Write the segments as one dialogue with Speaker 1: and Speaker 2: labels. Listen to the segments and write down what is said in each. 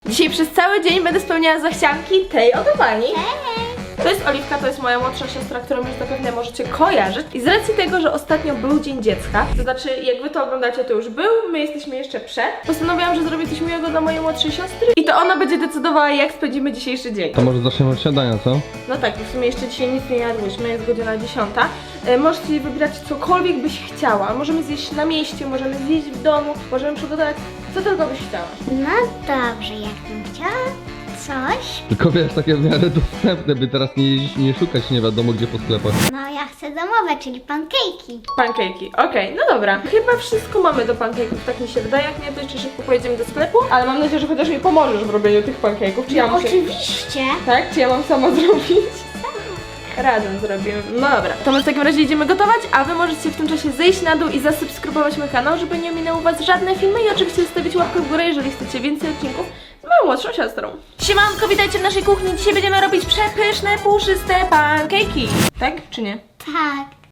Speaker 1: Dzisiaj przez cały dzień będę spełniała zachcianki tej oto pani. To jest Oliwka, to jest moja młodsza siostra, którą już zapewne możecie kojarzyć. I z racji tego, że ostatnio był Dzień Dziecka, to znaczy jak wy to oglądacie, to już był, my jesteśmy jeszcze przed, postanowiłam, że zrobię coś miłego dla mojej młodszej siostry i to ona będzie decydowała, jak spędzimy dzisiejszy dzień.
Speaker 2: To może zaczniemy od śniadania, co?
Speaker 1: No tak, w sumie jeszcze dzisiaj nic nie jadłyśmy, jest godzina 10. Możecie wybrać cokolwiek byś chciała. Możemy zjeść na mieście, możemy zjeść w domu, możemy przygotować co tylko byś chciała.
Speaker 3: No dobrze, jakbym chciała coś.
Speaker 2: Tylko wiesz, takie w miarę dostępne, by teraz nie jeździć i nie szukać nie wiadomo gdzie po sklepach.
Speaker 3: No ja chcę domowe, czyli pankejki.
Speaker 1: Pankejki, okej, no dobra. Chyba wszystko mamy do pankejków, tak mi się wydaje. Jak nie, to jeszcze szybko pojedziemy do sklepu, ale mam nadzieję, że chociaż mi pomożesz w robieniu tych pankejków. Czy ja muszę...
Speaker 3: Oczywiście.
Speaker 1: Tak? Czy ja mam sama zrobić? Razem zrobimy. No dobra. To my w takim razie idziemy gotować, a wy możecie w tym czasie zejść na dół i zasubskrybować mój kanał, żeby nie minęły was żadne filmy i oczywiście zostawić łapkę w górę, jeżeli chcecie więcej odcinków z moją młodszą siostrą. Siemanko, witajcie w naszej kuchni. Dzisiaj będziemy robić przepyszne, puszyste pankejki. Tak czy nie?
Speaker 3: Tak.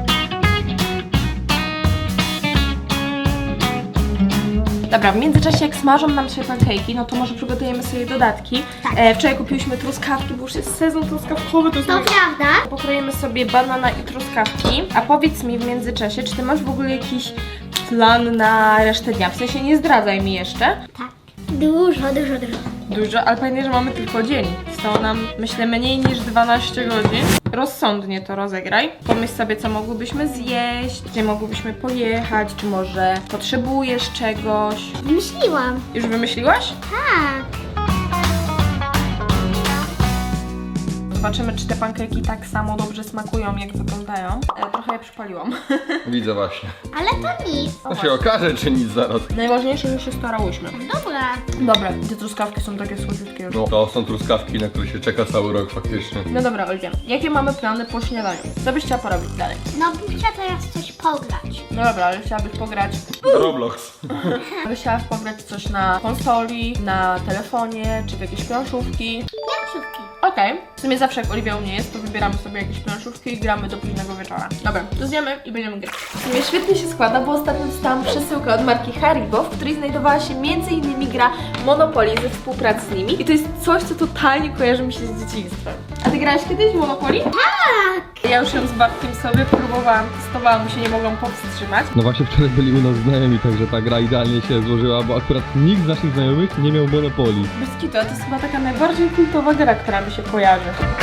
Speaker 1: Dobra, w międzyczasie jak smażą nam się pankejki, no to może przygotujemy sobie dodatki.
Speaker 3: Tak.
Speaker 1: Wczoraj kupiłyśmy truskawki, bo już jest sezon truskawkowy, to jest
Speaker 3: To
Speaker 1: mój...
Speaker 3: prawda?
Speaker 1: Pokroimy sobie banana i truskawki. A powiedz mi w międzyczasie, czy ty masz w ogóle jakiś plan na resztę dnia? W sensie nie zdradzaj mi jeszcze.
Speaker 3: Tak. Dużo.
Speaker 1: Dużo, ale pamiętaj, że mamy tylko dzień. Zostało nam, myślę, mniej niż 12 godzin. Rozsądnie to rozegraj. Pomyśl sobie, co mogłybyśmy zjeść, gdzie mogłybyśmy pojechać, czy może potrzebujesz czegoś.
Speaker 3: Wymyśliłam.
Speaker 1: Już wymyśliłaś?
Speaker 3: Tak.
Speaker 1: Zobaczymy, czy te pankejki tak samo dobrze smakują, jak wyglądają. Trochę je przypaliłam.
Speaker 2: Widzę właśnie.
Speaker 3: Ale to nic.
Speaker 2: To się okaże, czy nic zaraz.
Speaker 1: Najważniejsze, że się starałyśmy.
Speaker 3: Dobra.
Speaker 1: Dobra, te truskawki są takie słodziutkie już.
Speaker 2: No, to są truskawki, na które się czeka cały rok faktycznie.
Speaker 1: No dobra, Oliwia, jakie mamy plany po śniadaniu? Co byś chciała porobić dalej?
Speaker 3: No bym chciała teraz coś pograć.
Speaker 1: No dobra, ale chciałabyś pograć...
Speaker 2: Roblox.
Speaker 1: Byś chciała pograć coś na konsoli, na telefonie, czy w jakieś planszówki.
Speaker 3: Planszówki.
Speaker 1: Okej. W sumie zawsze jak Oliwia u mnie jest, to wybieramy sobie jakieś planszówki i gramy do późnego wieczora. Dobra, to zjemy i będziemy grać. W sumie świetnie się składa, bo ostatnio dostałam przesyłkę od marki Haribo, w której znajdowała się m.in. gra Monopoly ze współpracy z nimi. I to jest coś, co totalnie kojarzy mi się z dzieciństwem. A ty grałaś kiedyś w Monopoly?
Speaker 3: Tak.
Speaker 1: Ja już ją z Bartkiem sobie próbowałam, testowałam i się nie mogłam powstrzymać.
Speaker 2: No właśnie wczoraj byli u nas znajomi, także ta gra idealnie się złożyła, bo akurat nikt z naszych znajomych nie miał Monopolii.
Speaker 1: Bez kitu, a to jest chyba taka najbardziej kultowa gra, która mi się kojarzy.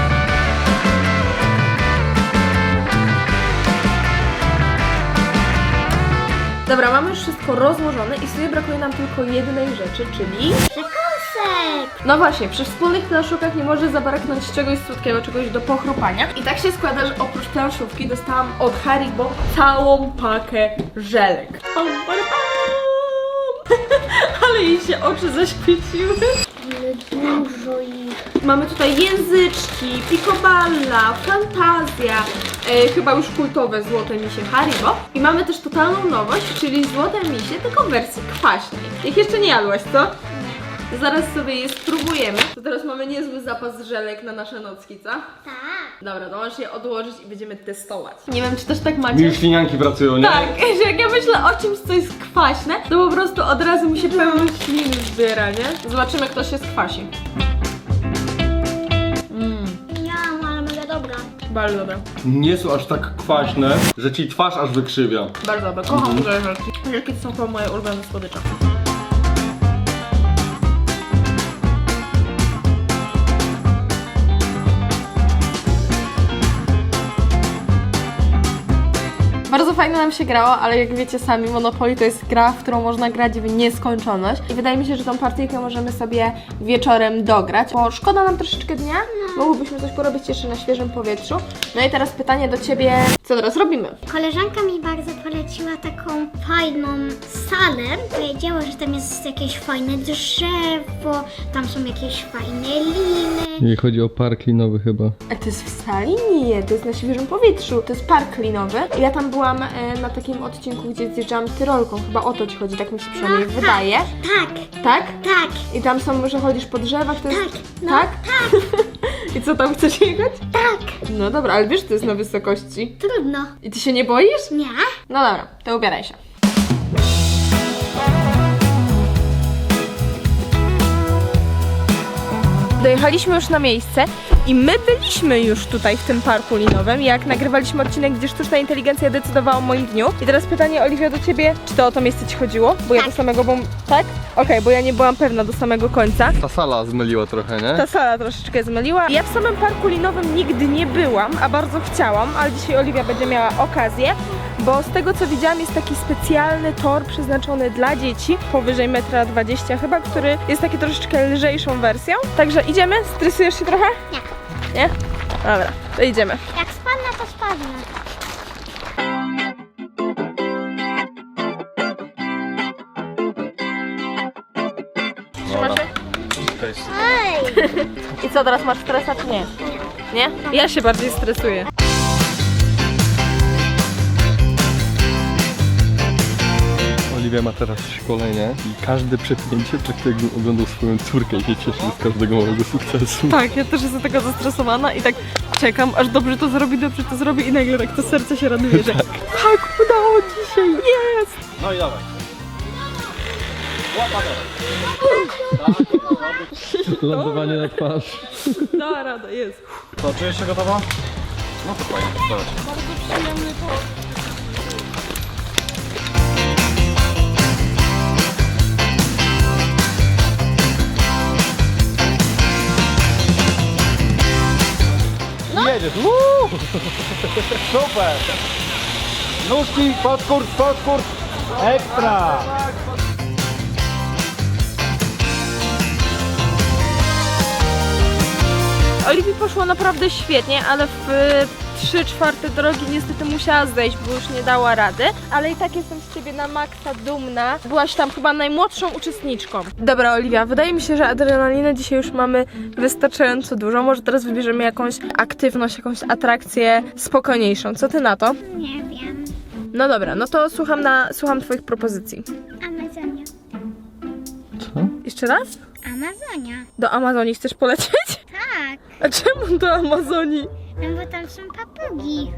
Speaker 1: Dobra, mamy już wszystko rozłożone i sobie brakuje nam tylko jednej rzeczy, czyli...
Speaker 3: Przekąsek.
Speaker 1: No właśnie, przy wspólnych planszówkach nie może zabraknąć czegoś słodkiego, czegoś do pochrupania. I tak się składa, że oprócz planszówki dostałam od Haribo całą pakę żelek. Ale jej się oczy zaświeciły.
Speaker 3: Ale dużo ich.
Speaker 1: Mamy tutaj języczki, Picoballa, Fantazja, chyba już kultowe złote misie Haribo. I mamy też totalną nowość, czyli złote misie, tylko w wersji kwaśnej. Ich jeszcze nie jadłaś, co? Zaraz sobie je spróbujemy. To teraz mamy niezły zapas żelek na nasze nocki, co?
Speaker 3: Tak.
Speaker 1: Dobra, to możesz je odłożyć i będziemy testować. Nie wiem, czy też tak macie.
Speaker 2: Już ślinianki pracują, nie?
Speaker 1: Tak, że jak ja myślę o czymś, co jest kwaśne, to po prostu od razu mi się pełno śliny zbiera, nie? Zobaczymy, kto się skwasi.
Speaker 3: Ja, ale mega dobra.
Speaker 1: Bardzo dobre.
Speaker 2: Nie są aż tak kwaśne, że ci twarz aż wykrzywia.
Speaker 1: Bardzo dobre. Kocham żelki. Żelki to są chyba moje ulubione słodycze. Bardzo fajnie nam się grało, ale jak wiecie sami, Monopoly to jest gra, w którą można grać w nieskończoność. I wydaje mi się, że tą partyjkę możemy sobie wieczorem dograć, bo szkoda nam troszeczkę dnia, mogłybyśmy coś porobić jeszcze na świeżym powietrzu. No i teraz pytanie do Ciebie, co teraz robimy?
Speaker 3: Koleżanka mi bardzo poleciła taką fajną salę. Powiedziała, że tam jest jakieś fajne drzewo, tam są jakieś fajne liny.
Speaker 2: Nie chodzi o park linowy chyba.
Speaker 1: A to jest w sali? Nie, to jest na świeżym powietrzu. To jest park linowy. Ja tam byłam na takim odcinku, gdzie zjeżdżałam tyrolką. Chyba o to Ci chodzi, tak mi się przynajmniej wydaje.
Speaker 3: Tak,
Speaker 1: Tak?
Speaker 3: tak,
Speaker 1: I tam są, że chodzisz po drzewach, to jest...
Speaker 3: tak, no
Speaker 1: Tak? I co, tam chcesz jechać?
Speaker 3: tak.
Speaker 1: No dobra, ale wiesz, to jest na wysokości.
Speaker 3: Trudno.
Speaker 1: I Ty się nie boisz?
Speaker 3: Nie?
Speaker 1: No dobra, to ubieraj się. Dojechaliśmy już na miejsce i my byliśmy już tutaj w tym parku linowym, jak nagrywaliśmy odcinek, gdzie sztuczna inteligencja decydowała o moim dniu. I teraz pytanie, Oliwia, do ciebie, czy to o to miejsce ci chodziło? Bo ja do samego tak? Okej, bo ja nie byłam pewna do samego końca.
Speaker 2: Ta sala zmyliła trochę, nie?
Speaker 1: Ta sala troszeczkę zmyliła. Ja w samym parku linowym nigdy nie byłam, a bardzo chciałam, ale dzisiaj Oliwia będzie miała okazję, bo z tego co widziałam jest taki specjalny tor przeznaczony dla dzieci, powyżej 1,20 m chyba, który jest taki troszeczkę lżejszą wersją. Także idziemy? Stresujesz się trochę?
Speaker 3: Nie.
Speaker 1: Nie? Dobra, to idziemy.
Speaker 3: Jak spadnę, to spadnę.
Speaker 1: Trzymasz się?
Speaker 3: Ej!
Speaker 1: I co, teraz masz stresa czy nie? Nie? Ja się bardziej stresuję.
Speaker 2: Oliwia ma teraz szkolenie i każde przepnięcie tak jakbym oglądał swoją córkę i się cieszy z każdego małego sukcesu.
Speaker 1: Tak, ja też jestem taka zestresowana i tak czekam, aż dobrze to zrobi i nagle tak to serce się raduje, że tak, udało ci się, jest!
Speaker 4: No i dawaj.
Speaker 2: Lądowanie na twarz.
Speaker 1: Da rada, jest.
Speaker 4: To czujesz się gotowa? No to fajnie, dawaj.
Speaker 1: Bardzo przyjemny to.
Speaker 4: Jedziesz. Woo! Super. Nóżki, podkurs. Ekstra.
Speaker 1: Oliwii poszło naprawdę świetnie, ale w 3/4 drogi niestety musiała zejść, bo już nie dała rady. Ale i tak jestem z ciebie na maksa dumna. Byłaś tam chyba najmłodszą uczestniczką. Dobra, Oliwia, wydaje mi się, że adrenaliny dzisiaj już mamy wystarczająco dużo. Może teraz wybierzemy jakąś aktywność, jakąś atrakcję spokojniejszą. Co ty na to?
Speaker 3: Nie wiem.
Speaker 1: No dobra, no to słucham twoich propozycji.
Speaker 3: Amazonia.
Speaker 2: Co?
Speaker 1: Jeszcze raz?
Speaker 3: Amazonia.
Speaker 1: Do Amazonii chcesz polecieć?
Speaker 3: Tak.
Speaker 1: A czemu do Amazonii?
Speaker 3: No bo tam są papugi.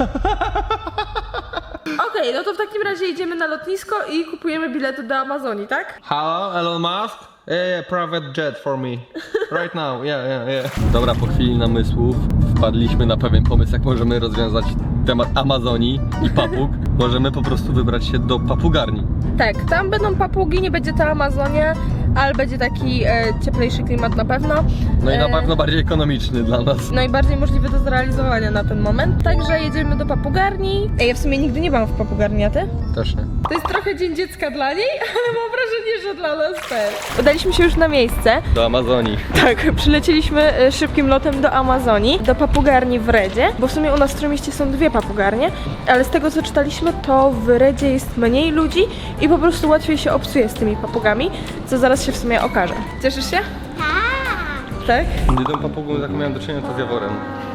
Speaker 1: Okej, no to w takim razie idziemy na lotnisko i kupujemy bilety do Amazonii, tak?
Speaker 2: Hello, Elon Musk? Yeah, private jet for me. Right now, yeah. Dobra, po chwili namysłów wpadliśmy na pewien pomysł, jak możemy rozwiązać temat Amazonii i papug. Możemy po prostu wybrać się do papugarni.
Speaker 1: Tak, tam będą papugi, nie będzie to Amazonia, ale będzie taki cieplejszy klimat na pewno.
Speaker 2: No i na pewno bardziej ekonomiczny dla nas.
Speaker 1: No i bardziej możliwy do zrealizowania na ten moment. Także jedziemy do papugarni. Ja w sumie nigdy nie byłam w papugarni, a ty?
Speaker 2: Też nie.
Speaker 1: To jest trochę dzień dziecka dla niej, ale mam wrażenie, że dla nas też. Udaliśmy się już na miejsce.
Speaker 2: Do Amazonii.
Speaker 1: Tak, przylecieliśmy szybkim lotem do Amazonii, do papugarni w Redzie, bo w sumie u nas w Trójmieście są 2 papugarnie, ale z tego co czytaliśmy, to w Redzie jest mniej ludzi i po prostu łatwiej się obcuje z tymi papugami, co zaraz się w sumie okaże. Cieszysz się?
Speaker 3: Tak.
Speaker 1: Tak?
Speaker 2: Jedyną papugą, z jaką miałem do czynienia, to z jaworem.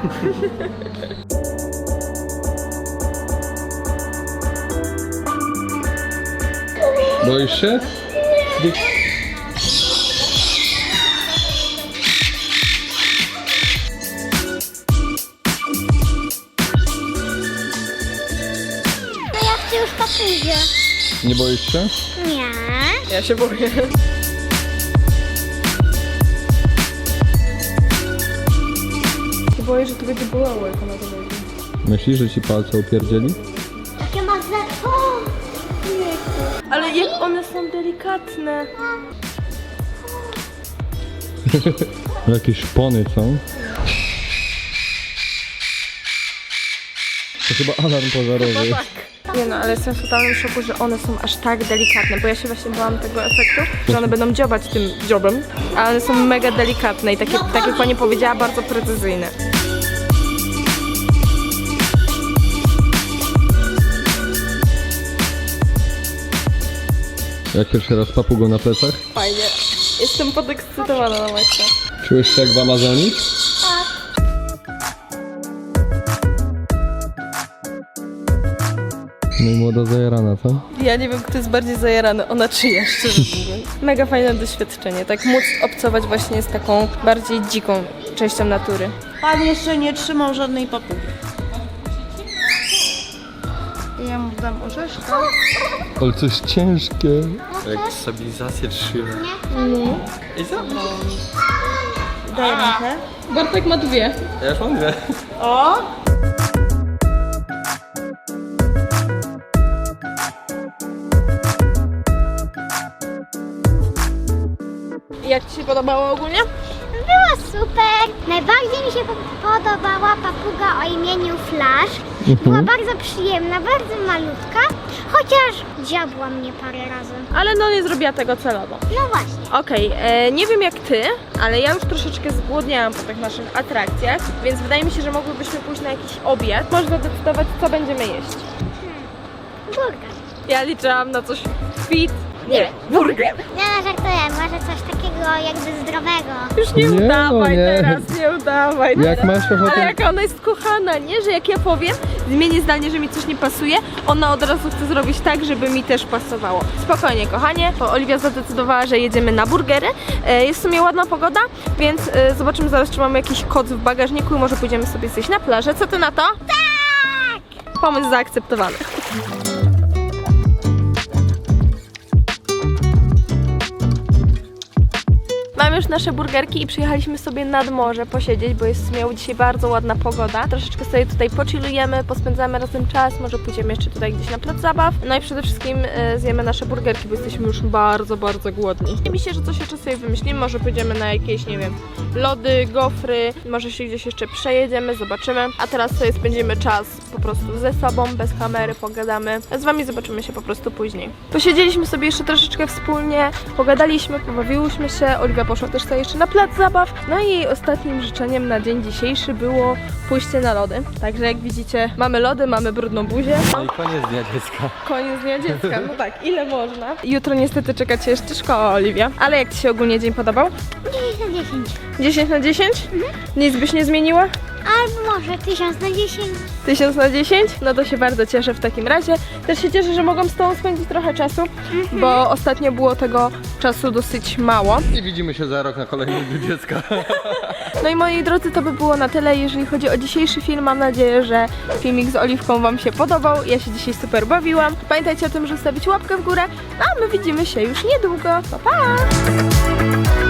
Speaker 2: Boisz się?
Speaker 3: No ja chcę już papugę.
Speaker 2: Nie boisz się?
Speaker 3: Nie.
Speaker 1: Ja się boję. Się boję, że to będzie bolało, jak ona to wejdzie.
Speaker 2: Myślisz, że ci palce upierdzieli?
Speaker 3: Jakie ma za... O!
Speaker 1: Ale jak one są delikatne.
Speaker 2: Jakieś szpony są. To chyba alarm pożarowy.
Speaker 1: Nie no, ale jestem w totalnym szoku, że one są aż tak delikatne, bo ja się właśnie bałam tego efektu, że one będą dziobać tym dziobem, a one są mega delikatne i takie, tak jak pani powiedziała, bardzo precyzyjne.
Speaker 2: Jak pierwszy raz papugą na plecach?
Speaker 1: Fajnie. Jestem podekscytowana na maksa.
Speaker 2: Czułeś się jak w Amazonii? No i młoda zajarana, co?
Speaker 1: Ja nie wiem, kto jest bardziej zajarany, ona czy ja, szczerze mówiąc. Mega fajne doświadczenie, tak móc obcować właśnie z taką bardziej dziką częścią natury.
Speaker 5: Pan jeszcze nie trzymał żadnej papugi. Ja mu dam orzeszka.
Speaker 2: Ale coś ciężkie. Jak stabilizację trzyma. I zabrał.
Speaker 5: Daj rękę.
Speaker 1: Bartek ma 2.
Speaker 2: Ja już mam 2.
Speaker 5: O!
Speaker 1: Jak Ci się podobało ogólnie?
Speaker 3: Było super. Najbardziej mi się podobała papuga o imieniu Flash. Była bardzo przyjemna, bardzo malutka, chociaż dziabła mnie parę razy.
Speaker 1: Ale no nie zrobiła tego celowo.
Speaker 3: No właśnie.
Speaker 1: Okej, nie wiem jak Ty, ale ja już troszeczkę zgłodniałam po tych naszych atrakcjach, więc wydaje mi się, że mogłybyśmy pójść na jakiś obiad. Można decydować, co będziemy jeść.
Speaker 3: Burger.
Speaker 1: Ja liczyłam na coś fit. Nie, burger.
Speaker 3: Nie, żartuję, może coś takiego jakby zdrowego.
Speaker 1: Już nie
Speaker 2: Nie,
Speaker 1: udawaj
Speaker 2: no nie.
Speaker 1: teraz, nie udawaj
Speaker 2: Jak
Speaker 1: teraz.
Speaker 2: masz ochotę-
Speaker 1: Ale jaka ona jest kochana, nie? Że jak ja powiem, zmienię zdanie, że mi coś nie pasuje, ona od razu chce zrobić tak, żeby mi też pasowało. Spokojnie, kochanie, bo Oliwia zadecydowała, że jedziemy na burgery. Jest w sumie ładna pogoda, więc zobaczymy zaraz, czy mamy jakiś koc w bagażniku i może pójdziemy sobie zjeść na plażę. Co Ty na to? Tak! Pomysł zaakceptowany. Mamy już nasze burgerki i przyjechaliśmy sobie nad morze posiedzieć, bo jest miała dzisiaj bardzo ładna pogoda. Troszeczkę sobie tutaj pochillujemy, pospędzamy razem czas, może pójdziemy jeszcze tutaj gdzieś na plac zabaw. No i przede wszystkim zjemy nasze burgerki, bo jesteśmy już bardzo, bardzo głodni. Wydaje mi się, że coś jeszcze sobie wymyślimy, może pójdziemy na jakieś, nie wiem, lody, gofry, może się gdzieś jeszcze przejedziemy, zobaczymy. A teraz sobie spędzimy czas po prostu ze sobą, bez kamery, pogadamy. A z Wami zobaczymy się po prostu później. Posiedzieliśmy sobie jeszcze troszeczkę wspólnie, pogadaliśmy, pobawiłyśmy się. Oliwia poszła też sobie jeszcze na plac zabaw. No i jej ostatnim życzeniem na dzień dzisiejszy było pójście na lody. Także jak widzicie, mamy lody, mamy brudną buzię.
Speaker 2: No i koniec dnia dziecka.
Speaker 1: Koniec dnia dziecka, no tak, ile można? Jutro niestety czeka Cię jeszcze szkoła, Oliwia. Ale jak Ci się ogólnie dzień podobał?
Speaker 3: 10 na 10.
Speaker 1: 10 na 10? Nic byś nie zmieniła?
Speaker 3: Albo może 1000 na 10.
Speaker 1: 1000 na 10? No to się bardzo cieszę w takim razie. Też się cieszę, że mogłam z Tobą spędzić trochę czasu, bo ostatnio było tego czasu dosyć mało.
Speaker 2: I widzimy się za rok na kolejnym dniu dziecka.
Speaker 1: No i moi drodzy, to by było na tyle, jeżeli chodzi o dzisiejszy film. Mam nadzieję, że filmik z Oliwką Wam się podobał. Ja się dzisiaj super bawiłam. Pamiętajcie o tym, żeby zostawić łapkę w górę. A my widzimy się już niedługo. Pa, pa!